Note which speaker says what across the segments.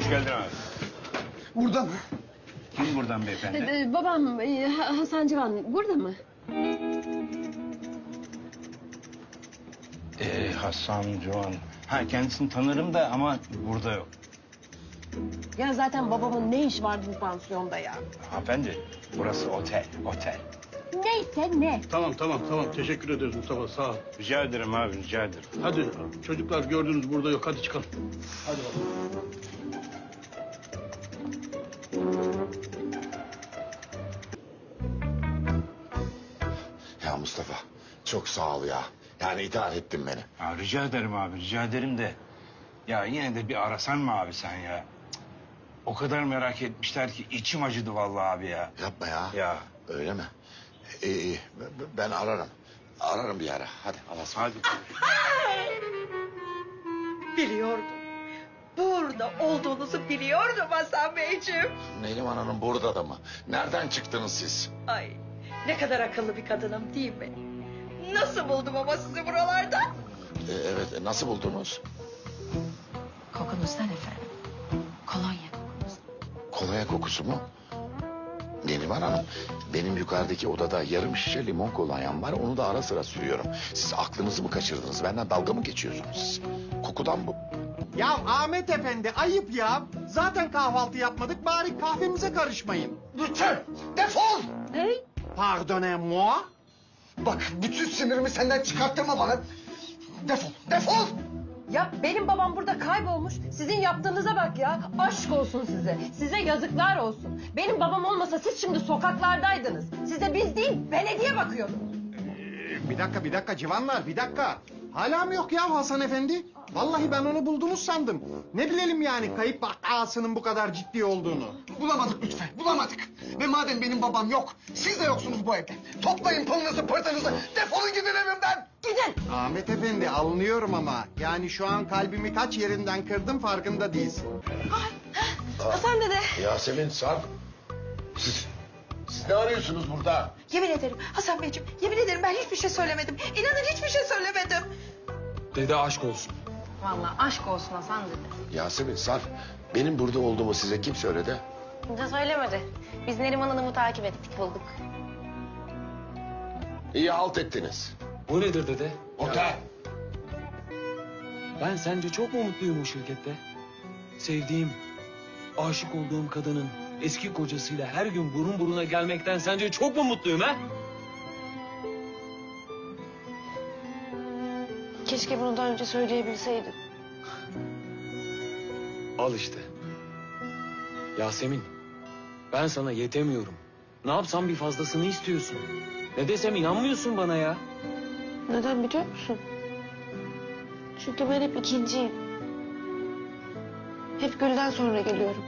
Speaker 1: Hoş geldin abi.
Speaker 2: Burada mı?
Speaker 1: Kim buradan beyefendi?
Speaker 3: Babam Hasan Civan burada mı?
Speaker 1: Hasan Civan. Ha, kendisini tanırım da ama burada yok.
Speaker 3: Ya zaten babamın ne iş vardı bu pansiyonda ya?
Speaker 1: Hanımefendi, burası otel, otel.
Speaker 3: Neyse ne?
Speaker 2: Tamam. Teşekkür ederiz Mustafa, sağ ol.
Speaker 1: Rica ederim abi, rica ederim.
Speaker 2: Hadi çocuklar gördünüz burada yok. Hadi çıkalım. Hadi bakalım.
Speaker 4: Ya Mustafa çok sağ ol ya. Yani idare ettin beni.
Speaker 1: Ya, rica ederim abi, rica ederim de... Ya yine de bir arasan mı abi sen ya? Cık. O kadar merak etmişler ki içim acıdı vallahi abi ya.
Speaker 4: Yapma ya.
Speaker 1: Ya.
Speaker 4: Öyle mi? İyi. Ben ararım. Ararım bir ara. Hadi Allah'a
Speaker 1: Hadi.
Speaker 5: Biliyordum. Burada olduğunuzu biliyordum Hasan Beyciğim.
Speaker 4: Neriman Hanım burada da mı? Nereden çıktınız siz?
Speaker 5: Ay ne kadar akıllı bir kadınım değil mi? Nasıl buldum ama sizi buralarda?
Speaker 4: Evet, nasıl buldunuz?
Speaker 3: Kokunuzdan efendim. Kolonya kokunuz.
Speaker 4: Kolonya kokusu mu? Neriman Hanım, benim yukarıdaki odada yarım şişe limon kolonyam var. Onu da ara sıra sürüyorum. Siz aklınızı mı kaçırdınız? Benden dalga mı geçiyorsunuz siz? Kokudan bu.
Speaker 6: Ya Ahmet Efendi ayıp ya. Zaten kahvaltı yapmadık bari kahvemize karışmayın.
Speaker 7: Lütfen defol!
Speaker 3: Hey,
Speaker 6: Pardonnez-moi.
Speaker 7: Bak bütün sinirimi senden çıkarttırma bana. Defol!
Speaker 3: ya benim babam burada kaybolmuş. Sizin yaptığınıza bak ya. Aşk olsun size. Size yazıklar olsun. Benim babam olmasa siz şimdi sokaklardaydınız. Size biz değil, belediye bakıyordu.
Speaker 6: Bir dakika civanlar bir dakika. Hala mı yok ya Hasan Efendi? Vallahi ben onu buldunuz sandım. Ne bilelim yani kayıp vakasının bu kadar ciddi olduğunu.
Speaker 7: Bulamadık lütfen, bulamadık. Ve madem benim babam yok, siz de yoksunuz bu evde. Toplayın pılınızı pırtınızı, defolun gidin evimden.
Speaker 3: Gidin.
Speaker 6: Ahmet Efendi anlıyorum ama yani şu an kalbimi kaç yerinden kırdım farkında değilsin.
Speaker 3: Hasan dede.
Speaker 4: Yasemin, Sarp. Siz ne arıyorsunuz burada?
Speaker 5: Yemin ederim Hasan Beyciğim, yemin ederim ben hiçbir şey söylemedim. İnanın hiçbir şey söylemedim.
Speaker 8: Dede aşk olsun.
Speaker 3: Vallahi aşk olsun Hasan dede.
Speaker 4: Yasemin, Sarp. Benim burada olduğumu size kim söyledi?
Speaker 9: Kimse söylemedi. Biz Neriman Hanım'ı takip ettik, bulduk.
Speaker 4: İyi halt ettiniz.
Speaker 8: Bu nedir dede?
Speaker 4: Otel.
Speaker 8: Ben sence çok mu mutluyum o şirkette? Sevdiğim, aşık olduğum kadının eski kocasıyla her gün burun buruna gelmekten sence çok mu mutluyum ha?
Speaker 9: Keşke bunu daha önce söyleyebilseydin.
Speaker 8: Al işte. Yasemin, ben sana yetemiyorum. Ne yapsam bir fazlasını istiyorsun. Ne desem inanmıyorsun bana ya.
Speaker 9: Neden biliyor musun? Çünkü ben hep ikinciyim. Hep Gül'den sonra geliyorum.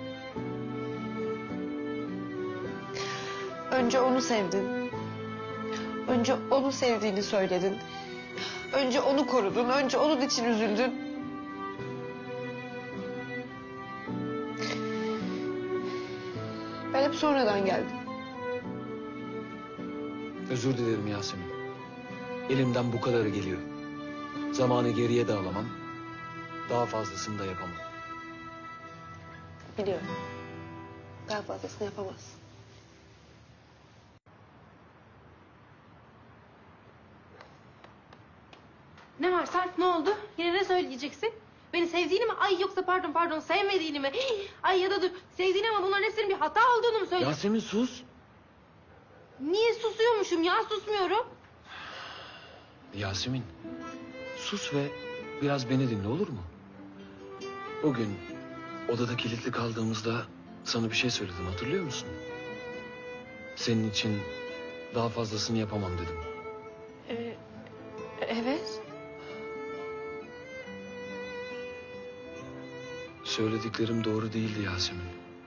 Speaker 9: Önce onu sevdin. Önce onu sevdiğini söyledin. Önce onu korudun. Önce onun için üzüldün. Ben hep sonradan geldim.
Speaker 8: Özür dilerim Yasemin. Elimden bu kadarı geliyor. Zamanı geriye de alamam. Daha fazlasını da yapamam.
Speaker 9: Biliyorum. Daha fazlasını yapamazsın.
Speaker 10: Ne var Sarp, ne oldu? Yine ne söyleyeceksin? Beni sevdiğini mi? Ay yoksa pardon sevmediğini mi? Hii, ay ya da dur sevdiğini ama bunların hepsinin bir hata olduğunu mu söylüyorsun?
Speaker 8: Yasemin sus.
Speaker 10: Niye susuyormuşum ya? Susmuyorum.
Speaker 8: Yasemin, sus ve biraz beni dinle olur mu? O gün odada kilitli kaldığımızda sana bir şey söyledim hatırlıyor musun? Senin için daha fazlasını yapamam dedim.
Speaker 9: Evet.
Speaker 8: Söylediklerim doğru değildi Yasemin.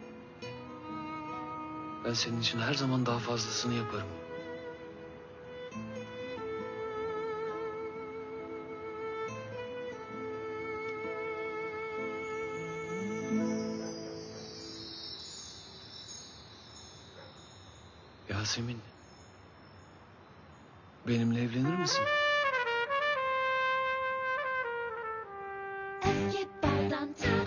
Speaker 8: Ben senin için her zaman daha fazlasını yaparım. Yasemin, benimle evlenir misin?
Speaker 11: Baldan